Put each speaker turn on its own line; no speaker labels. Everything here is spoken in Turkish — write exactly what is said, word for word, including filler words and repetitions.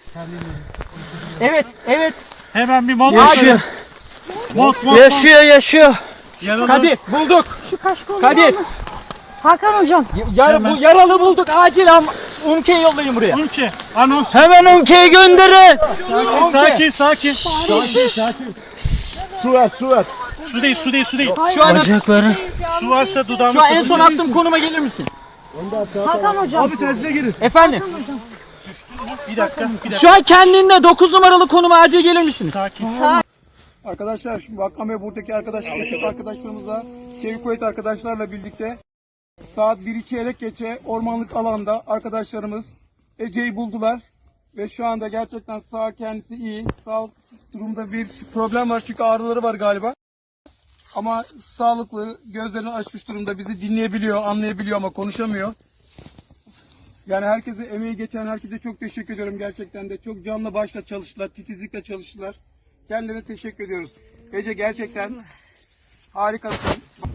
Evet, evet.
Hemen bir mont.
Yaşıyor.
Mont, mont,
Yaşıyor, yaşıyor.
Yaralı.
Kadir bulduk.
Şu kaşkol
Kadir.
Hakan hocam.
Yar, bu yaralı bulduk. Acil am Umke'yi yollayın buraya.
Umke. Anons.
Hemen Umke'yi gönderin.
Sakin, sakin.
Su ver, su ver.
Su değil, su değil, su değil.
Şu an
Bacakları.
Su varsa dudağımı
şu an en son
sıkın.
attığım konuma gelir misin?
Hakan hocam.
Abi tersine girin.
Efendim.
Bir dakika, bir dakika.
Şu an kendinde dokuz numaralı konuma acil gelir misiniz?
Sakin.
Arkadaşlar şimdi Hakan ve buradaki arkadaş, ekip arkadaşlarımızla, Çevik Kuvvet arkadaşlarla birlikte saat biri çeyrek geçe ormanlık alanda arkadaşlarımız Ece'yi buldular. Ve şu anda gerçekten sağ kendisi iyi. Sağlık durumda bir problem var çünkü ağrıları var galiba. Ama sağlıklı, gözlerini açmış durumda, bizi dinleyebiliyor, anlayabiliyor ama konuşamıyor. Yani herkese, emeği geçen herkese çok teşekkür ediyorum gerçekten de. Çok canlı başla çalıştılar, titizlikle çalıştılar. Kendilerine teşekkür ediyoruz. Ece gerçekten harikasın.